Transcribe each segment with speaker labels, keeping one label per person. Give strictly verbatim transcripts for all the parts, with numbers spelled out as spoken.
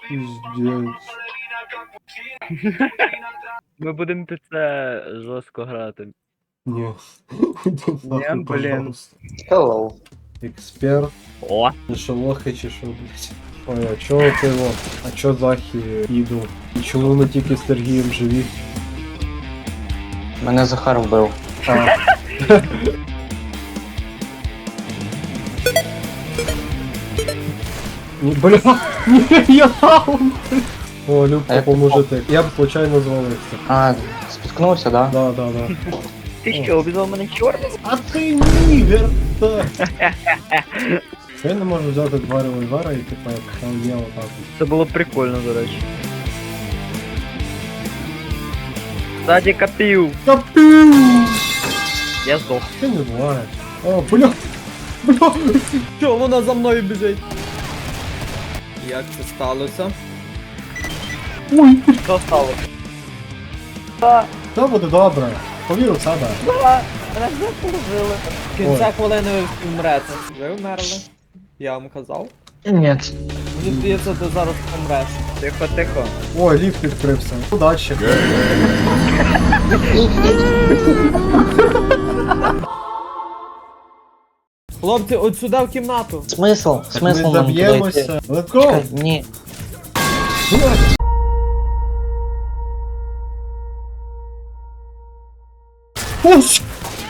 Speaker 1: Піздець.
Speaker 2: Ми будемо під це жорстко грати.
Speaker 1: Ні. Іди нахуй,
Speaker 2: блін.
Speaker 1: пожалуйста.
Speaker 3: Hello.
Speaker 1: Експерт.
Speaker 2: О!
Speaker 1: Ти що, лохи чи що, блядь? Ой, а чого ти його? А чо Захі їду? І чому не тільки з Сергієм живі?
Speaker 3: Мене Захар вбив.
Speaker 1: А. Ні, бля, ні, я там! О, Любка,
Speaker 3: А
Speaker 1: поможете. Я б случайно звалився.
Speaker 3: А, спіткнувся, да?
Speaker 1: Да, да, да.
Speaker 2: Ти що, обізвав мене чорним?
Speaker 1: А ти ні, верта! Я не можу взяти два револьвера і типа як там є отак.
Speaker 2: Це було прикольно, до речі. Ззаді копів!
Speaker 1: Капів!
Speaker 2: Я здох.
Speaker 1: Ти не буває. О, бля! Бля!
Speaker 4: Що, вона за мною біжить? Як це сталося?
Speaker 1: Ой!
Speaker 2: Що стало?
Speaker 1: Все буде добре. Повір у себе.
Speaker 2: Мене заслужили.
Speaker 4: В кінця хвилини ви вмрете. Ви вмерли? Я вам казав.
Speaker 3: Ні.
Speaker 4: Мені здається, ти зараз помреш.
Speaker 2: Тихо, тихо.
Speaker 1: Ой, ліфт відкрився. Удачі.
Speaker 4: Хлопці, от сюди в кімнату.
Speaker 3: Смисл?
Speaker 1: Так ми
Speaker 3: Смисл нам туди йти?
Speaker 1: заб'ємося. Let's go!
Speaker 3: Чекай, ні.
Speaker 1: Ось!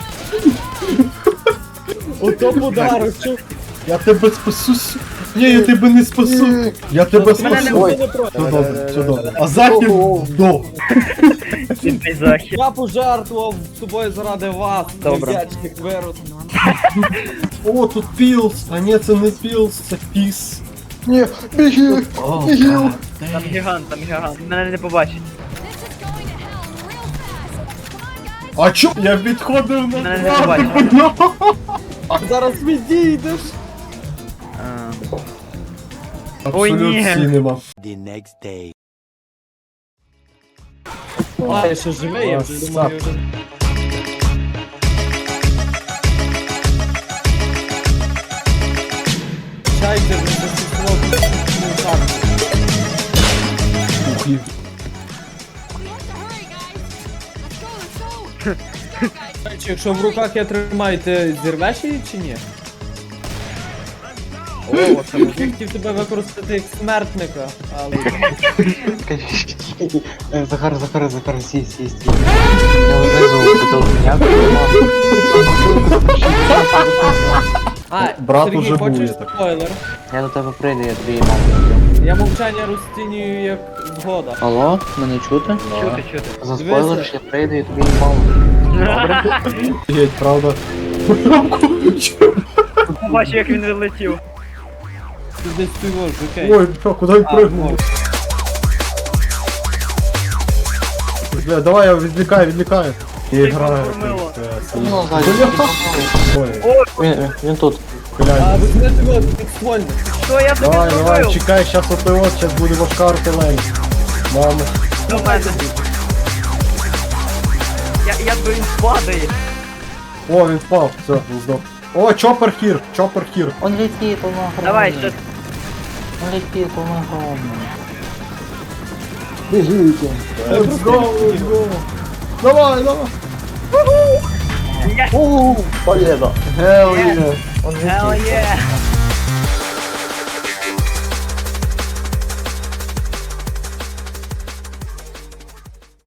Speaker 4: Ото подарок, чув.
Speaker 1: Я тебе спасу. с- Ні, я тебе не спасу. Я тебе
Speaker 2: Мене не
Speaker 1: спасу.
Speaker 3: Ой.
Speaker 4: не проти.
Speaker 1: Все добре, все добре. А Захід до.
Speaker 2: Ти захід.
Speaker 4: Я пожертвував тобою заради вас.
Speaker 2: Добре.
Speaker 4: Невдячних вирод.
Speaker 1: О, тут пілс. А ні, це не пілс, це піс.
Speaker 3: Ні, біги!
Speaker 1: О,
Speaker 3: Біги!
Speaker 1: God.
Speaker 2: Там гігант, там гігант. Мене не побачить.
Speaker 1: А чо? Я відходив на
Speaker 2: Мене не
Speaker 1: два,
Speaker 2: побачив.
Speaker 1: бля.
Speaker 4: Зараз відійдеш.
Speaker 2: А,
Speaker 1: Абсолют
Speaker 2: ні.
Speaker 1: Cinema.
Speaker 5: The next day.
Speaker 4: А, я ще живий, я вже думаю,
Speaker 1: Красавчик.
Speaker 4: вже... Чайте, не засісло під карту.
Speaker 1: Ух, і-
Speaker 4: Чи якщо в руках я тримаю, ти зірвеш її чи ні? О, це я хотів тебе використати як смертника, але...
Speaker 3: Е, Захар, Захар, Захар, сій, сій, сій. Я знизу бутилку. Я
Speaker 4: А,
Speaker 1: Брат
Speaker 4: Сергій,
Speaker 1: уже був,
Speaker 4: хочеш
Speaker 1: я так.
Speaker 4: спойлер?
Speaker 3: Я до тебе прийду, я тобі маму.
Speaker 4: Я мовчання розцінюю як згода.
Speaker 3: Алло, мене чути?
Speaker 2: чути, чути.
Speaker 3: За спойлер, я прийду, я тобі маму.
Speaker 1: Офігеть, правда.
Speaker 2: Побачив, як він вилетів.
Speaker 4: Ти десь співаєш, окей.
Speaker 1: Ой, бля, куди він
Speaker 4: А,
Speaker 1: пригнув?
Speaker 4: ну.
Speaker 1: Бля, давай я відвлікаю, відвлікаю. Я
Speaker 2: Ти
Speaker 1: граю.
Speaker 2: поформила.
Speaker 3: Ну, ззаді.
Speaker 1: Ой,
Speaker 3: Він, він тут.
Speaker 4: А,
Speaker 1: глянь.
Speaker 4: візьми тебе підствольно.
Speaker 2: Що я тобі
Speaker 1: Давай, давай,
Speaker 2: зробив?
Speaker 1: чекай, щас от от, щас буде важка артилерія. Мама.
Speaker 2: До мене. Я, я думаю, він падає.
Speaker 1: О, він впав, все, він здох. О, чопер хір, чопер хір.
Speaker 3: Он летит, он огромный.
Speaker 2: Давай, що
Speaker 3: Он летит, он огромный.
Speaker 1: Let's go, let's go. Давай, давай.
Speaker 3: Победа.
Speaker 1: Hell yeah.
Speaker 3: Он
Speaker 2: Hell
Speaker 3: летит.
Speaker 2: yeah!